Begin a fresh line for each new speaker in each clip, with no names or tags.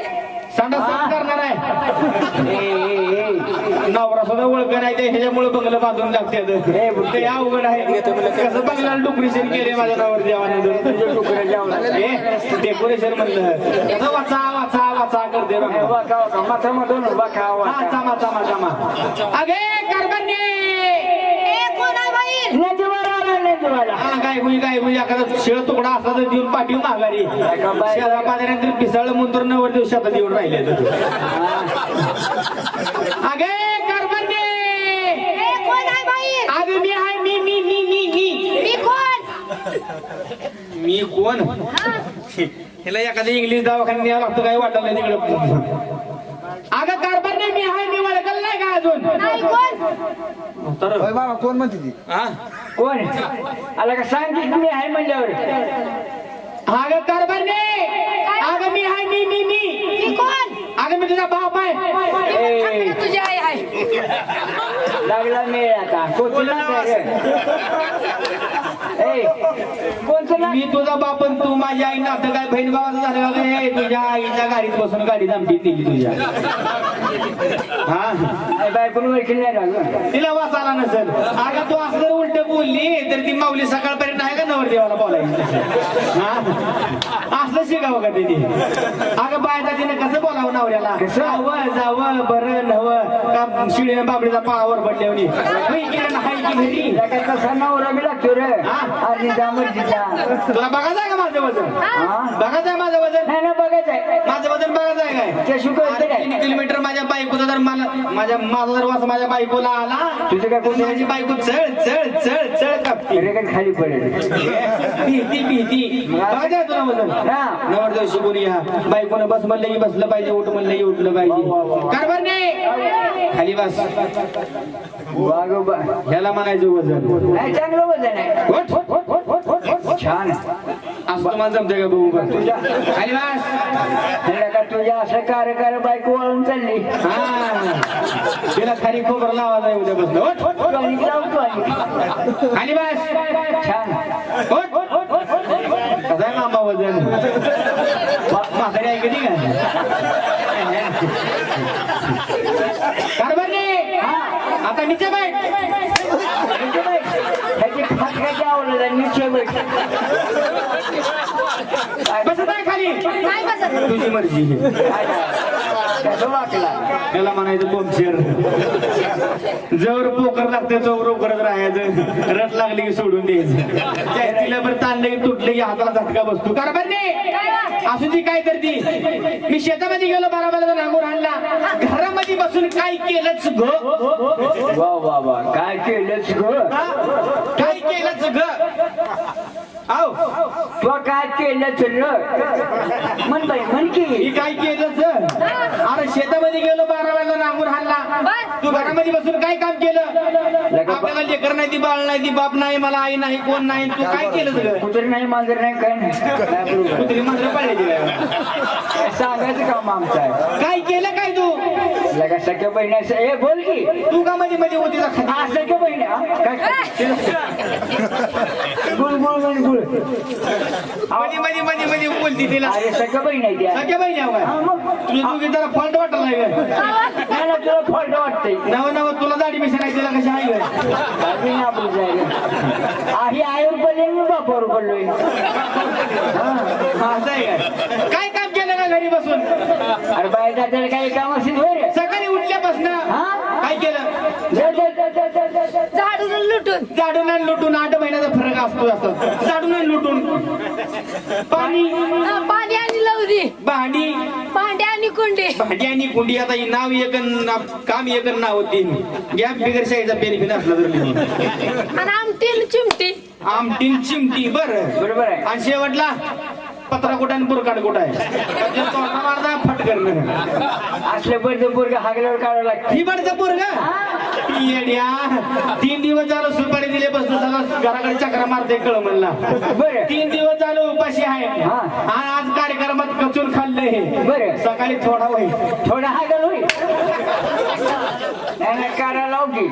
सांडा साफ करणार आहे नवरा सुद्धा ओळख नाही ते ह्याच्यामुळे बंगलं बांधून लागते ते अवघड आहे कसं बंगला डुकरेशन केले माझ्या नावावर देवाने डेकोरेशन म्हणलं कसं वाचा वाचा वाचा करते अगे कर्मण्ये काय म्हणजे एखादा शेळ तुकडा असला तर देऊन पाठवून माघारी शेळा पाण्यानंतर पिसाळ मुंतर नवर दिवसात येऊन राहिले अगे कर्मण्ये अगे मी आहे मी कोण हिला एखाद्या इंग्लिश दवाखान्यात यावं लागतं काय वाटत नाही तिकडे अगं कर्मण्ये मी आहे मी ओळखलं नाही का अजून तर
बाबा कोण म्हणते ती
हा
कोण आला का सांग की मी आहे म्हणल्यावर
अगं कर्मण्ये अगं मी आहे मी कोण अगं मी तुझा बाप आहे
तुझी आई आहे
लागला मेळ आता कोणचं
मी तुझा बाप आणि तू माझी आई नातं काय बहीण भावाचं झालं का तुझ्या आईच्या गाडीत बसून गाडी आमची दिली तुझ्या हा
बायकोन ओळखील नाही ना
तिला वाचायला नसेल अगं तू असं जर उलट बोलली तर ती माऊली सकाळपर्यंत आहे का नवरदेवाला बोलायची हा असलं शिकावं का तिने अगं बायचा तिने कसं बोलावं नवऱ्याला जावं बरं नवं का शिळीने बाबडीचा पावावर पडल्यावनी
कसा नवरा बी लागतो रे
तुला बघायचं आहे का माझं वजन बघायचं आहे माझं वजन
नाही ना बघायचंय
माझं वजन बघायचं आहे काय
ते शिकवायचं काय
3 किलोमीटर माझ्या बायकोचा जर मला माझा जर वास माझ्या बायकोला आला
तुझं काय कोण
माझी बायको चळ चळ चळ चळ कापते
खाली पडेल
भीती बघायचं आहे तुला वजन नवरदेव शिकून या बायकोनं बस म्हणलं की बसलं पाहिजे उठ म्हणलं की उठलं पाहिजे कारभार नाही खाली बस ह्याला म्हणायचं वजन
नाही चांगलं वजन आहे छान
असं तुम्हाला जमतंय का बघू तुझ्या खाली बस
का तुझ्या असं कार्य बायको वळून चालली
हा तिला खाली खोबर लावायचा आहे उद्या बसलं खाली बस
छान
कसं आहे मामा वजन म्हातारी आहे कधी काय कारभार नाही आता नीचे बैठ बसत आहे खाली तुझी मर्जी त्याला म्हणायचं बोमशेर जवळ पोकर लागते चौर करत राहायचं रट लागली की सोडून द्यायचं तिला बरं ताणलं की तुटलं की हाताला झटका बसतो कारभार नाही असू ती काय करती मी शेतामध्ये गेलो बाराबाला नांगूर आणला घरामध्ये बसून काय केलंच ग
वा काय केलंच ग
काय केलंच ग आव
तू काय केलंच म्हण बाई म्हण की
मी काय केलंच अरे शेतामध्ये गेलो बाराबाला नांगूर आणला तू घरामध्ये बसून काय काम केलं आपल्याला लेकर नाही ती बाळ नाही ती बाप नाही मला आई नाही कोण नाही तू काय केलंच ग
कुत्री नाही मांजर नाही काय नाही
कुत्री मांजर पाळायची
सांगायचं काम आमचं आहे
काय केलं काय तू
लगा सख्या बहिणी हे बोल की
तू का मध्ये मध्ये होती
सख्या बहिणी काय गुळ गुळ गुळ गुळ
मध्ये मध्ये मध्ये मध्ये बोलती तिला
अरे सख्या बहिणी आहे
सगळ्या बहिणी तुला तू जरा फॉल्ट वाटत नाही
तुला फॉल्ट वाटतंय
नव नव तुला दाढी मिशन आहे तिला कशी आहे
आपली जायला ही आईवर पडले मी बापावर पडलोय
असं आहे काय काम केलं का घरी बसून
अरे बाहेर जायला काही काम असेल होय
सकाळी उठल्यापासून काय केलं झाडून आणि लुटून 8 महिन्याचा फरक असतो असं झाडून आणि लुटून पाणी
आणि लवरी
भांडी
आणि
कुंडी आता ही नाव एक काम एक नाव होती गॅप बिगर शाहीचा बेनिफिट असला तर आमटीन चिमटी बरोबर आहे आणि शेवटला पत्रा कुठं आणि बुरकाट कुठं आहे मारता फटकर
असले बडचं पोरग हागल्यावर काढावं लागतं
ही बडचं पोरग 3 दिवस झालं सुपारी दिले बसलो सगळं घराकडे चक्रा मारते कळ म्हणला
बरं
3 दिवस झालं उपाशी आहे आणि आज कार्यक्रमात कचून खाल्लंय
बरं
सकाळी थोडा होईल
थोडा हागल होईल काढा लाव की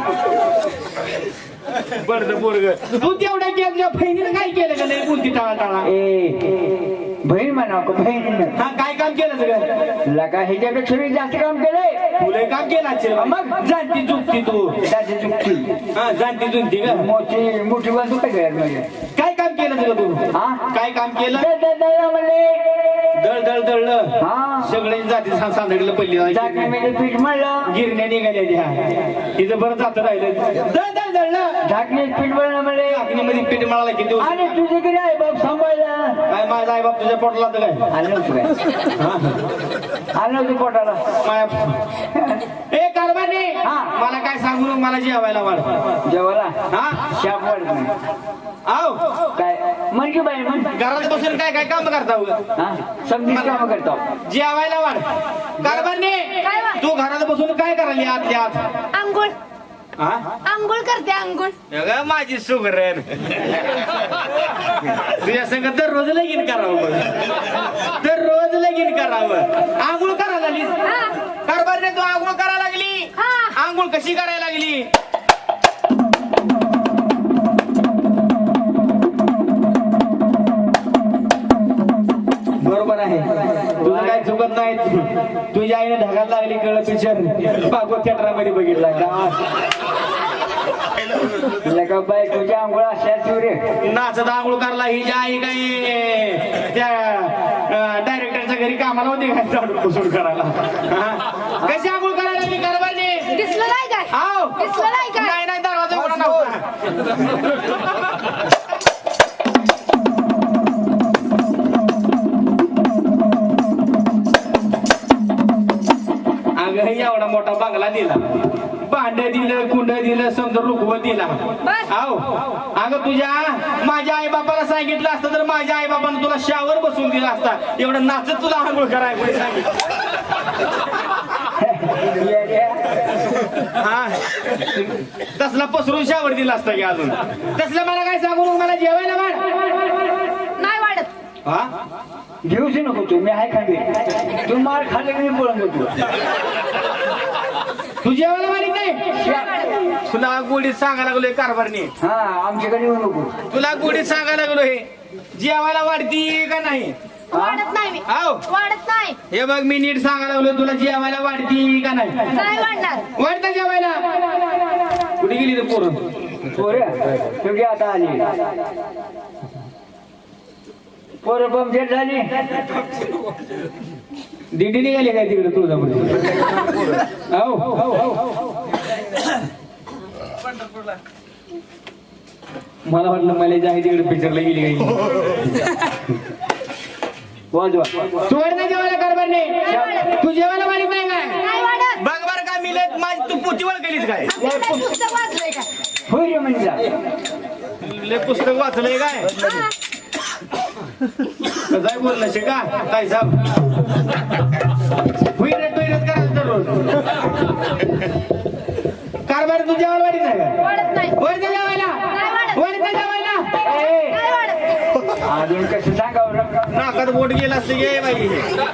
बडचं पोरग तू तेवढ्या तुझ्या बहिणीनं काय केलं का नाही कोणती टाळा
ए बहीण म्हणा का बहीण
हा काय काम केलं सगळं
लका ह्याच्यापेक्षा मी जास्त काम केलंय
तुला काम केलं असेल मग जाणती चुकती तू
त्याची चुकती
हा जाणती चुकती का
मोठी बाजू काय करायला म्हणजे
काय काम केलं सगळं तू
हा
काय काम केलं
म्हणले
दळ दळ दळलं
हा
सगळे जाती सांदडलं पहिली
झाकणीमध्ये पीठ मळलं
गिरण्या निघाल्या त्या तिथं बरं जात राहिलं दळ दळ दळलं
झाकणीत पीठ मळलं म्हणले
अग्नीमध्ये पीठ मळाला किती
आणि तुझे किती आहे बाप सांभाळला
काय माझा आई बाप तुझ्या पोटला तर काय
आलं नव्हतं काय आलं नव्हतं पोटाला
ए कारभारी
हा.
मला काय सांगू नको, मला जेवायला वाढ
जेवायला
हा
शाप वाढत नाही
आव
काय म्हण की बाई म्हण
घरात बसून काय काय काम करता उगा?
हा समजी काम करतो
जेवायला वाढ कारभारी
काय वा?
तू घरात बसून काय करायली आतल्या आत
आंघोळ
हा
आंघोळ करते आंघोळ
अगं माझी सुगरण तुझ्या संग दररोज लगीन करावं दररोज लगीन करावं आंघोळ करायला लागली
हा.
कारभारी तू आंघोळ करायला लागली
हा.
आंघोळ कशी करायला लागली बरोबर आहे तुझं काय चुकत नाही तुझ्या आईने ढगात लागली कळलं पिक्चर भागवत थिएटरमध्ये बघितला का
लका बाई तुझ्या आंघोळ अशा रे
नाचत आंघोळ करला ही जी आई काय त्या डायरेक्टरच्या घरी कामाला होती काय झाडू पुसून करायला हा? कशी आंघोळ करायला लागली कारभारी
दिसलं नाही काय
आव
दिसलं नाही काय
नाही नाही दरवाजा उघडा नव्हता अगं एवढा मोठा बंगला दिला भांड दिलं कुंड दिलं समजा रुखवत दिला
बस.
आहो अगं तुझ्या माझ्या आई बापाला सांगितलं असतं तर माझ्या आई बापानं तुला शावर बसून दिला असता एवढं नाचत तुला आंघोळ करायला कोणी सांगितलं हा तसला पसरून शावर दिला असता की अजून तसलं मला काय सांगू नको, मला जेवायला वाढ
नाही वाढत
हा
घेऊच नको तू मी आहे खाली तू मार खाल्ले की मी बोलून देतो
तू जेवायला वाढीत नाही तुला गोडीत सांगायला लागलोय कारभारने
हा आमच्याकडे येऊ नको
तुला गोडीत सांगायला लागलोय जेवायला वाढती का नाही
वाढत नाही मी
आव
वाढत नाही
हे बघ मी नीट सांगायला लागलोय तुला जेवायला वाढती का नाही
नाही वाढणार
वाढतं जेवायला कुठे गेली रे पोरं
पोरं तुझी आता आली पोरं पंक्चर झाली
दिंडी निघाली काय तिकडे तुळजापूर मला वाटलं मला जे आहे तिकडे पिक्चरला गेली काही
वाजवा
तू वाढ नाही जेवायला कारभारने तू जेवायला वाढीत नाही काय
नाही वाढत
बघ बरं का मिळत माझी तू पोतीवर गेलीस काय
पुस्तक वाचलंय का
होय रे म्हणजे
लय पुस्तक वाचलंय काय
हा.
कसं बोललं शिका काय साहेब हुईरत करायचं दररोज कारभार तू जेवायला वाढीत नाही का
वाढत नाही
वर दे जेवायला
नाही वाढत.
वर दे जेवायला
नाही वाढत
अजून कसं सांगावं
नाकात बोट गेला असते गे बाई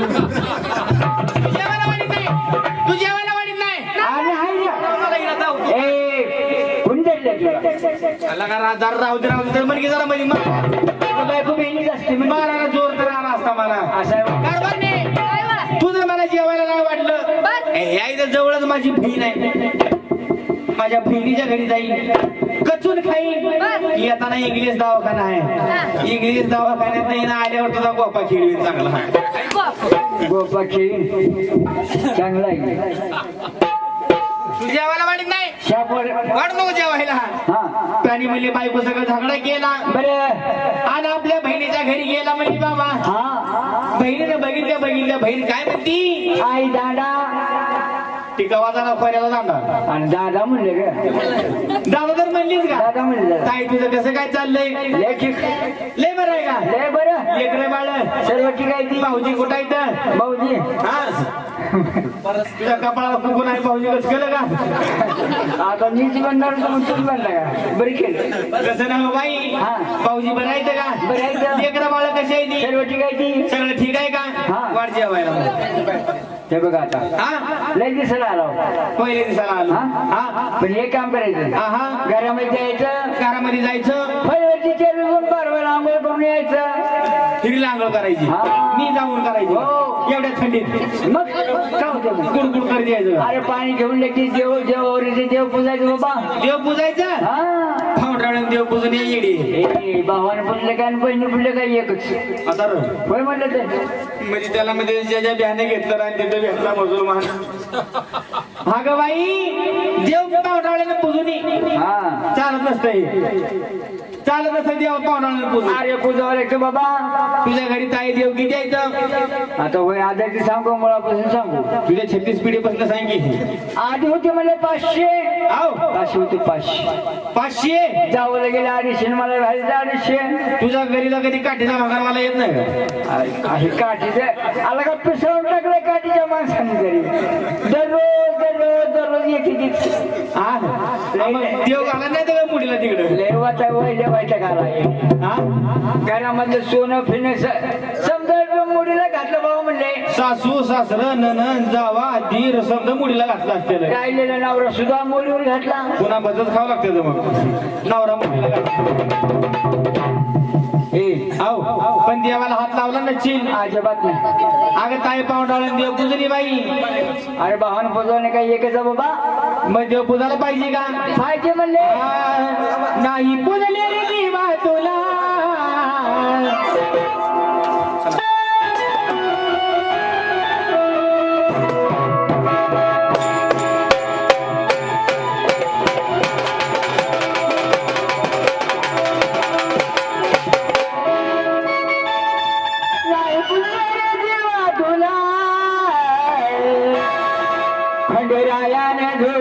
तू जेवायला वाढीत नाही तू जेवायला वाढीत नाही
आणि हाय ना.
मला इकडं जाऊ.
ए कोण धरलं तुला
आला का जरा राहू दे तर म्हणजे जरा मध्ये
बायको बहिणीच असते म्हणजे
मारायला जोर तर आला असता मला
असं आहे.
कारभारने
नाही वाढत
तू जर मला जेवायला नाही वाटलं
बस.
या इथं जवळच माझी बहीण आहे माझ्या बहिणीच्या घरी जाईल कचून खाईल येताना इंग्लिश दवाखाना आहे इंग्लिश दवाखान्यात नाही ना आल्यावर तुझा गोपा खेळवी चांगला
गोपा खेळीन चांगला आहे
तू जेवायला वाढत नाही
शापवर
वाढ नको जेवायला
हा
त्याने म्हणले बायको सगळं झगडा केला
बरं
आणि आपल्या बहिणीच्या घरी गेला म्हणजे बाबा
हा
बहिणीने बघितल्या बहीण काय म्हणती
आई दादा
ती गव्हाचा खोऱ्याला जाणार
आणि दादा म्हणले ग
दादा तर म्हणलीच का
दादा म्हणले
ताई तुझं कसं काय चाललंय
लय ठीक
लय बरं आहे का
लय बरं
लेकरे बाळ
सर्व ठीक आहे ती
भाऊजी कुठं आहे
भाऊजी
हा तुझ्या कपाळाला कुकून आहे भाऊजी कसं केलं का
आता मीच बनणार तर मग तुम्ही बनला का बरी केलं
कसं ना हो बाई
हा.
भाऊजी बरं आहे का
बरं आहे का?
लेकरं बाळ कशी आहे ती
सर्व ठीक आहे ती
सगळं ठीक आहे का
हा.
वाढ जेवायला
हे बघा आता
हा
लय दिसायला आलो
पहिले दिसायला आलो
हा
हा
पण हे काम करायचं
हा हा
घरामध्ये यायचं
घरामध्ये जायचं
फळवरची चेरी घेऊन बारवर आंघोळ करून यायचं
हिरीला आंघोळ करायची
हा.
मी जाऊन करायची
हो.
एवढ्या थंडीत
मग काय होतं मग?
गुडगुड करत यायचं
अरे पाणी घेऊन लगेच देव पूजायचं बाबा.
देव पूजायचं
हा
फाउंड्रावरून देव पूजून ये येडी
ए भावानं पुजलं काय आणि बहिणी पुजलं काय एकच
आता र.
होय म्हणलं तर
म्हणजे त्याला म्हणजे ज्या बियाणे घेतलं आणि तिथं भेटला मुसलमान हा ग बाई देव पाहुणावळ्यानं पूजून ये.
हा
चालत नसतंय चालत नसतं देव पाहुणावळ्यानं पूजून
अरे पूजावं लागतं बाबा.
तुझ्या घरी ताई देव किती आहेत
आता होय आधी सांगू मुळापासून सांगू.
तुझ्या 36 पिढीपासून सांग की
आधी होते म्हणजे 500
आव
500 होते 500
500
जावं गेले 250 मला राहायचं 250.
तुझ्या घरीला कधी काठीचा भाकर मला येत नाही का
अरे काही काठीचं आला का पिसळून टाकलं काठीच्या माणसाने तरी दररोज एक
हा मग देव घाला नाही तर मुलीला तिकडे
लेवाचा वैल्या व्हायचा घाला
हा
घरामधलं सोनं फिरणं समजा मुलीला घातलं बाबा म्हणले.
सासू सासर ननन जावा धीर समजा मुलीला घातला असते
राहिलेला नवरा सुद्धा मुलीवर घातला.
पुन्हा बदच खावं लागतं मग नवरा मुलीला घातला आव पण देवाला हात लावला नसशील
अजिबात नाही.
अगं ताई पाहुणावळ्यानं देव पूजली बाई
अरे भावान पुजवणे काही एकच आहे बाबा.
मग देव पूजायला पाहिजे का
पाहिजे म्हणले.
नाही पूजले रे देवा तुला
खंडरायाने